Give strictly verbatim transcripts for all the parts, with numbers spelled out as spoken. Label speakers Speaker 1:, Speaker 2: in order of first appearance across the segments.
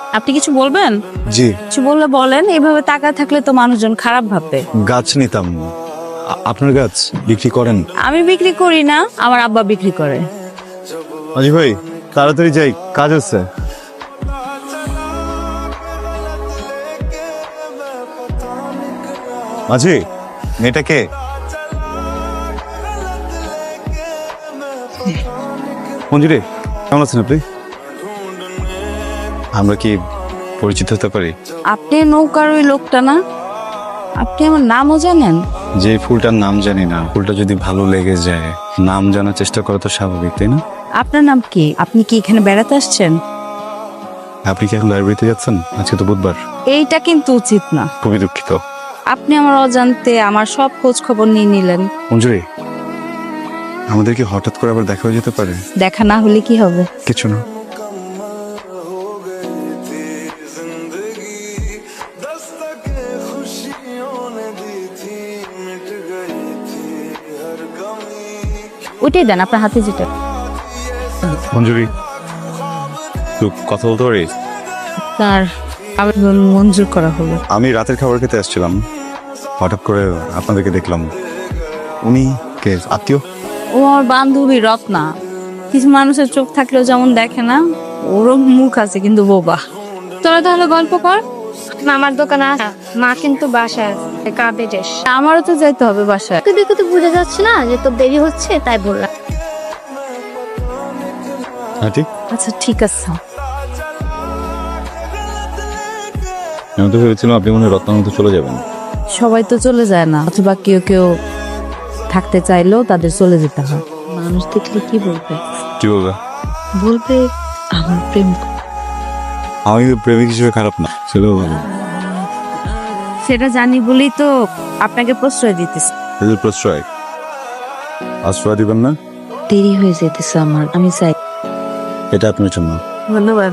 Speaker 1: আপনি কিছু বলবেন?
Speaker 2: জি,
Speaker 1: কিছু বললে বলেন, এভাবে তাকায় থাকলে তো মানুষজন খারাপ ভাববে।
Speaker 2: গাছ নিতাম। আ- আপনার গাছ বিক্রি করেন?
Speaker 1: আমি বিক্রি করি না, আমার আব্বা বিক্রি করে।
Speaker 2: আজি ভাই, তাড়াতাড়ি যাই, কাজ আছে। মাঝি, মেয়েটা কে? মঞ্জুরি, কেমন আছেন আপনি? আমরা কি পরিচিত হতে পারি?
Speaker 1: আপনি নৌকার ওই লোকটা না? আপনি আমার নামও জানেন?
Speaker 2: যে ফুলটার নাম জানি না, ফুলটা যদি ভালো লেগে যায়, নাম জানার চেষ্টা করা তো স্বাভাবিক, তাই না?
Speaker 1: আপনার নাম কি? আপনি কি এখানে বেড়াতে আসছেন?
Speaker 2: আপনি কি এখন লাইব্রেরিতে যাচ্ছেন? আজকে তো বুধবার।
Speaker 1: এইটা কিন্তু উচিত না।
Speaker 2: খুবই দুঃখিত।
Speaker 1: আপনি আমার অজান্তে আমার সব খোঁজ খবর নিয়ে নিলেন।
Speaker 2: মঞ্জুরি, আমাদের কি হঠাৎ করে আবার দেখা হয়ে যেতে পারে?
Speaker 1: দেখা না হলে কি হবে?
Speaker 2: কিছু না।
Speaker 1: ওইটাই দেন, আপনার হাতে যেটা।
Speaker 2: মঞ্জুরি, একটু কথা বলতে পারি?
Speaker 1: তার আবেদন মঞ্জুর করা হলো।
Speaker 2: আমি রাতের খাবার খেতে আসছিলাম, হঠাৎ করে আপনাদেরকে দেখলাম। উনি কে, আত্মীয়?
Speaker 1: ও আমার বান্ধবী রত্না। কিছু মানুষের চোখ থাকলেও যেমন দেখে না, ওরও মুখ আছে কিন্তু বোবা। তোরা তাহলে গল্প কর।
Speaker 3: মামার দোকানে আসা, মা কিন্তু বাসায় কাবে ড্রেস।
Speaker 1: আমারও তো যাইতে হবে বাসায়।
Speaker 3: তোকে দেখে তো বোঝা যাচ্ছে না যে তোর দেরি হচ্ছে, তাই বললাম।
Speaker 2: হ্যাঁ ঠিক।
Speaker 1: আচ্ছা ঠিক আছে।
Speaker 2: আমি তো ভেবেছিলাম আপনি মনে হয় রত্নার মতো চলে যাবেন।
Speaker 1: সবাই তো চলে যায় না, অথবা কেউ কেউ থাকতে চাইলেও তাদের চলে যেতে হয়। মানুষ দেখলে কি বলবে?
Speaker 2: কি বলবে?
Speaker 1: বলবে আমার প্রেম।
Speaker 2: আমি প্রেমিক হিসেবে খারাপ না, ছেলেও ভালো।
Speaker 1: সেটা জানি বলেই তো আপনাকে প্রশ্রয় দিতেছি।
Speaker 2: এদের প্রশ্রয় আশ্রয় দিবেন না?
Speaker 1: দেরি হয়ে যেতেছে আমার, আমি চাই।
Speaker 2: এটা আপনার জন্য।
Speaker 1: ধন্যবাদ।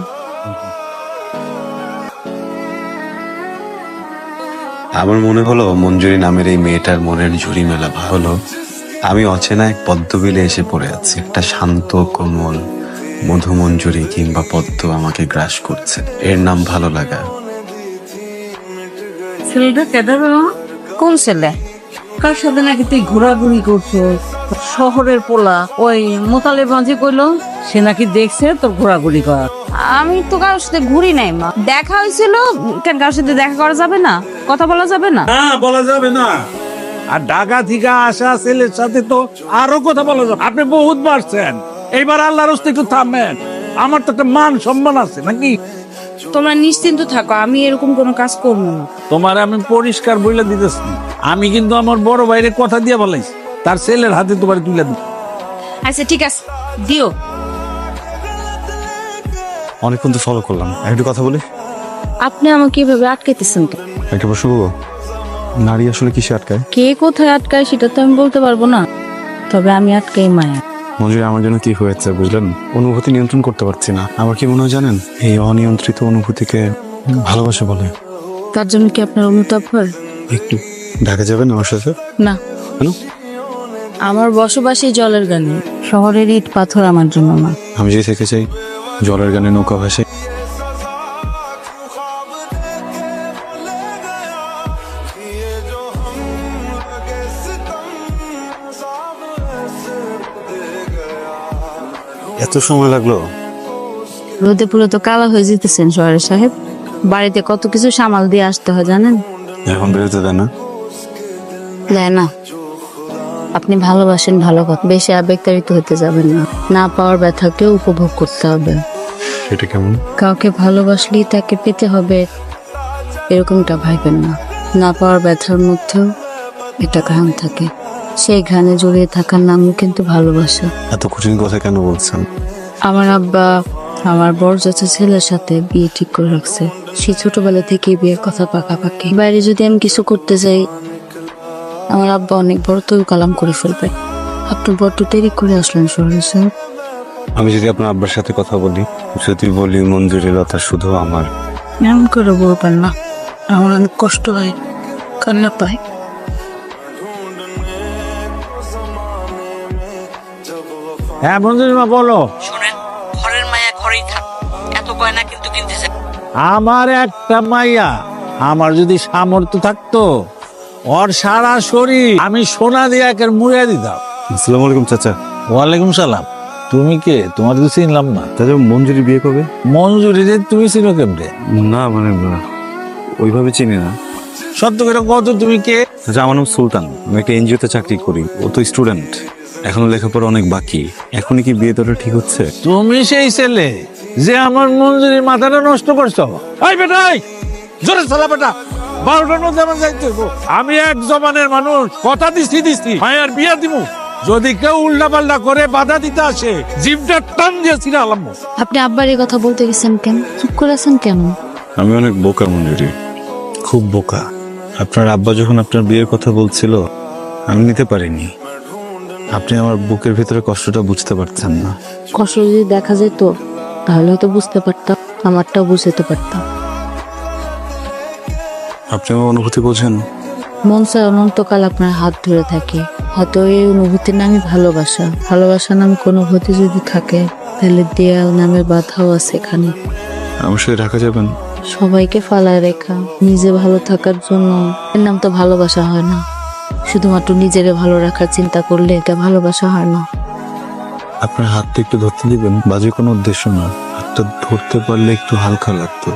Speaker 4: আমার মনে হলো মঞ্জুরি নামের এই মেয়েটার মনের ঝুড়ি মেলা হলো। আমি অচেনা এক পদ্মবিলে এসে পড়ে আছি। একটা শান্ত কোমল মধু মঞ্জুরি কিংবা পদ্ম আমাকে গ্রাস করছে। এর নাম ভালো লাগা।
Speaker 5: ছেলেটা কেদার
Speaker 1: কোন ছেলে?
Speaker 5: কার সাথে নাকি তুই ঘোরাঘুরি করছো? শহরের পোলা ওই মোতালে মাঝে কইলো সে নাকি দেখছে তোর ঘোরাঘুরি করা।
Speaker 1: আমি তো কারোর সাথে ঘুরি নাই মা। দেখা হয়েছিল, কেন কারোর সাথে দেখা করা যাবে না? কথা বলা যাবে না?
Speaker 6: না, বলা যাবে না। আর ঢাকা থেকে আসা ছেলের সাথে তো আরো কথা বলা যাবে। আপনি বহুত বাড়ছেন, এইবার আল্লাহর হস্তে একটু থামেন। আমার তো একটা মান সম্মান আছে নাকি?
Speaker 1: তোমরা নিশ্চিন্ত থাকো, আমি এরকম কোনো কাজ করবো না।
Speaker 6: তোমার আমি পরিষ্কার বইলে দিতেছি, আমি কিন্তু আমার বড় ভাইয়ের কথা দিয়ে বলাইছি, তার ছেলের হাতে তোমার তুলে দিব।
Speaker 1: আচ্ছা ঠিক আছে, দিও।
Speaker 2: অনেকক্ষণ তো ফলো করলাম, একটু কথা বলি।
Speaker 1: আপনি আমাকে এভাবে আটকাইতেছেন কেন?
Speaker 2: একটা প্রশ্ন করবো, নারী আসলে কিসে আটকায়?
Speaker 1: কে কোথায় আটকায় সেটা তো আমি বলতে পারবো না, তবে আমি আটকাই মায়া।
Speaker 2: মঞ্জুরি, আমার জন্য কি হয়েছে বুঝলেন? অনুভূতি নিয়ন্ত্রণ করতে পারছি না। আমার কি মনে হয় জানেন, এই অনিয়ন্ত্রিত অনুভূতিকে ভালোবাসা বলে।
Speaker 1: তার জন্য কি আপনার অনুতাপ হয়?
Speaker 2: একটু ঢাকা যাবেন আমার সাথে?
Speaker 1: না।
Speaker 2: কেন?
Speaker 1: আমার বসবাসী জলের গানে, শহরের ইট পাথর আমার জন্য না।
Speaker 2: আমি যে থেকে চাই জলের গানে নৌকা ভাসে। এত সময় লাগলো?
Speaker 1: রোদে পুরো তো কালা হয়ে যেতেছেন শহরের সাহেব। বাড়িতে কত কিছু সামাল দিয়ে আসতে হয় জানেন?
Speaker 2: এখন বেরোতে দেয় না?
Speaker 1: দেয় না। আপনি ভালোবাসেন ভালো কথা, বেশি আবেগতাড়িত হতে যাবেন না। না পাওয়ার ব্যথাকেও উপভোগ করতে হবে।
Speaker 2: সেটা কেমন?
Speaker 1: কাউকে ভালোবাসলেই তাকে পেতে হবে এরকমটা ভাইবেন না। না পাওয়ার ব্যথার মধ্যেও একটা ঘ্রাণ থাকে, সেই ঘ্রাণে জড়িয়ে থাকার নামও কিন্তু ভালোবাসা।
Speaker 2: এত কঠিন কথা কেন বলছেন?
Speaker 1: আমার আব্বা আমার বড় ছেলের সাথে বিয়ে ঠিক করে রাখছে। সে ছোটবেলা থেকে বিয়ের কথা পাকাপাকি। বাইরে যদি আমি কিছু করতে যাই, আমার আব্বা অনেক বড় তৈরি কালাম করে ফেলবে। আপনি বড্ড দেরি করে আসলেন শহরে স্যার।
Speaker 2: আমি যদি আপনার আব্বার সাথে কথা বলি, যদি বলি মঞ্জুরি লতা শুধু আমার,
Speaker 5: এমন করে বলবেন না, আমার অনেক কষ্ট হয়, কান্না পাই।
Speaker 6: হ্যাঁ মঞ্জুরি মা বলো।
Speaker 5: শোনেন, ঘরের মায়া ঘরেই থাক, এত গয়না কিন্তু কিনতে চাই।
Speaker 6: আমার একটা মাইয়া, আমার যদি সামর্থ্য থাকতো ওর সারা শরীর আমি সোনা দিয়ে একের মুড়িয়ে দিতাম।
Speaker 2: আসসালামু আলাইকুম চাচা।
Speaker 6: ওয়ালাইকুম সালাম। তুমি কে? তোমার তো চিনলাম না।
Speaker 2: চাচা মঞ্জুরি বিয়ে কবে?
Speaker 6: মঞ্জুরি যে তুমি চিনো কেমনে?
Speaker 2: না মানে আহ, ওইভাবে চিনি না।
Speaker 6: সত্য করে কত, তুমি কে?
Speaker 2: চাচা আমার নাম সুলতান, আমি একটা এনজিওতে চাকরি করি। ও তো স্টুডেন্ট, এখনো লেখাপড়া অনেক বাকি। এখনই কি বিয়ে তোরা ঠিক হচ্ছে?
Speaker 6: তুমি সেই ছেলে যে আমার মঞ্জুরির মাথাটা নষ্ট করছো। এই বেটা, এই, জোরে চলা বেটা, বারোটার মধ্যে আমার যাইতে হইবো। আমি এক জমানের মানুষ, কথা দিচ্ছি দিচ্ছি মায়ের বিয়া দিমু। যদি কেউ উল্টা পাল্টা করে বাধা দিতে আসে, জিভটা টান দিয়েছি না আলাম।
Speaker 1: আপনি আব্বার এই কথা বলতে গেছেন কেন? চুপ করে আছেন কেন?
Speaker 2: আমি অনেক বোকা মঞ্জুরি, খুব বোকা। আপনার আব্বা যখন আপনার বিয়ের কথা বলছিল আমি নিতে পারিনি। আপনি আমার বুকের ভিতরে কষ্টটা বুঝতে পারছেন না।
Speaker 1: কষ্ট যদি দেখা যেত তাহলে হয়তো বুঝতে পারতাম, আমারটাও বুঝতে পারতাম।
Speaker 2: আপনি আমার অনুভূতি বোঝেন?
Speaker 1: মন চায় অনন্তকাল আপনার হাত ধরে থাকে। হয়তো এই অনুভূতির নামই ভালোবাসা। ভালোবাসা নামে কোনো অনুভূতি যদি থাকে তাহলে দেয়াল নামের বাধাও আছে এখানে।
Speaker 2: আমার সাথে ঢাকা যাবেন?
Speaker 1: সবাইকে ফালায় রেখা নিজে ভালো থাকার জন্য এর নাম তো ভালোবাসা হয় না। শুধুমাত্র নিজের ভালো রাখার চিন্তা করলে এটা ভালোবাসা হয় না।
Speaker 2: আপনার হাতটা একটু ধরতে দিবেন? বাজে কোনো উদ্দেশ্য না, হাতটা ধরতে পারলে একটু হালকা লাগতো।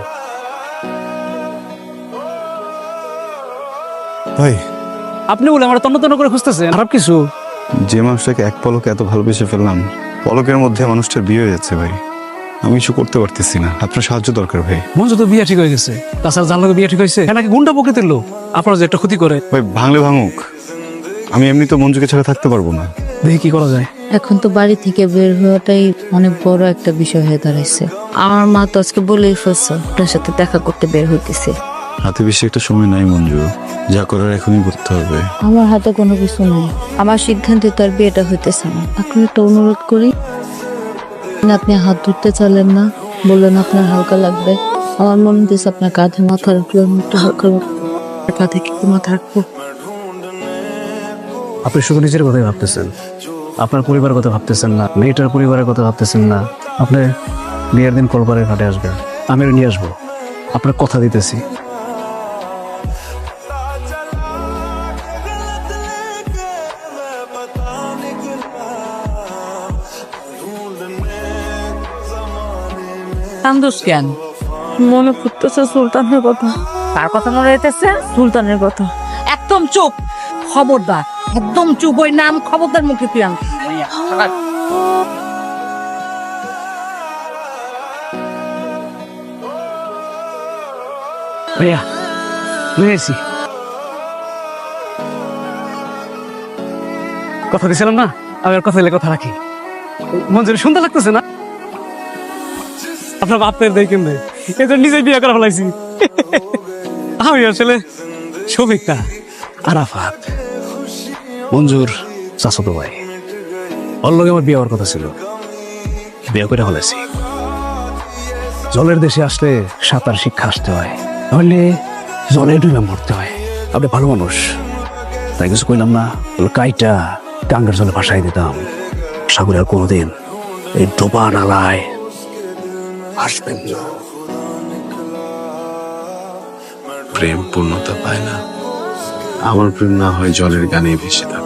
Speaker 2: ভাই,
Speaker 7: আপনি বলে আমার তন্ন তন্ন করে খুঁজতেছেন খারাপ কিছু?
Speaker 2: যে মানুষটাকে এক পলকে এত ভালোবেসে ফেললাম, পলকের মধ্যে মানুষটার বিয়ে হয়ে যাচ্ছে ভাই। আমি কিছু করতে পারতেছি না, আপনার সাহায্য দরকার ভাই।
Speaker 7: মঞ্জু তো বিয়ে ঠিক হয়ে গেছে, তাছাড়া জানলা বিয়ে ঠিক হয়েছে, নাকি গুন্ডা প্রকৃতির লোক আপনার যে একটা ক্ষতি করে।
Speaker 2: ভাই ভাঙলে ভাঙুক, আমি এমনি তো মঞ্জুকে ছাড়া থাকতে পারবো না।
Speaker 7: দেখি কি করা যায়।
Speaker 1: এখন তো বাড়ি থেকে বের হওয়াটাই অনেক বড় একটা বিষয় হয়ে দাঁড়াইছে। আমার মা তো আজকে বলেই ফেলছে আপনার সাথে দেখা করতে বের হইতেছে।
Speaker 2: হাতে বেশি একটা সময় নাই মঞ্জু, যা করার এখনই করতে হবে।
Speaker 1: আমার হাতে কোনো কিছু নেই, আমার সিদ্ধান্তে তার বিয়েটা হইতেছে না। এখন একটা অনুরোধ করি, আপনি হাত ধরতে চাইলেন না, বললেন আপনার হালকা লাগবে। আমার মনে হচ্ছে আপনার কাঁধে মাথা রাখলে একটু হালকা লাগবে। কাঁধে কি মাথা রাখবো?
Speaker 7: আপনি শুধু নিজের কথাই ভাবতেছেন, আপনার পরিবারের কথা ভাবতেছেন না, মেয়েটার পরিবারের কথা ভাবতেছেন না। আপনি বিয়ের দিন কলপারের ঘাটে আসবেন, আমি নিয়ে আসবো, আপনার কথা দিতেছি।
Speaker 5: কান্দোস কেন?
Speaker 3: মনে পড়তেছে সুলতানের কথা।
Speaker 5: কার কথা মনে হইতেছে?
Speaker 3: সুলতানের কথা।
Speaker 5: একদম চুপ, খবরদার, একদম চুপ। ওই নাম খবরদার মুখে তুই আন।
Speaker 7: ভাইয়া নিয়ে এসি, কথা দিয়েছিলাম না, আমি আর কথা দিলে কথা রাখি। মঞ্জুরি সুন্দর লাগতেছে না? আপনার বাপের দেখেন ভাই, এই তো নিজে বিয়ে করা ফেলাইছি। আমি আসলে শফিকটা আরাফাত, মঞ্জুর চাচাতো ভাই। ওর লগে আমার বিয়ে হওয়ার কথা ছিল, বিয়ে করে ফেলাইছি। জলের দেশে আসলে সাঁতার শিক্ষা আসতে হয়, তাহলে জলে ডুবে মরতে হয়। আপনি ভালো মানুষ, তাই কিছু কইলাম না। কাইটা টাঙ্গার জলে ভাসাই দিতাম, সাগরে আর কোনোদিন এই ডোবা নালায় আসবেন না।
Speaker 4: প্রেম পূর্ণতা পায় না, আমার প্রেম না হয় জলের গানে ভেসে থাকে।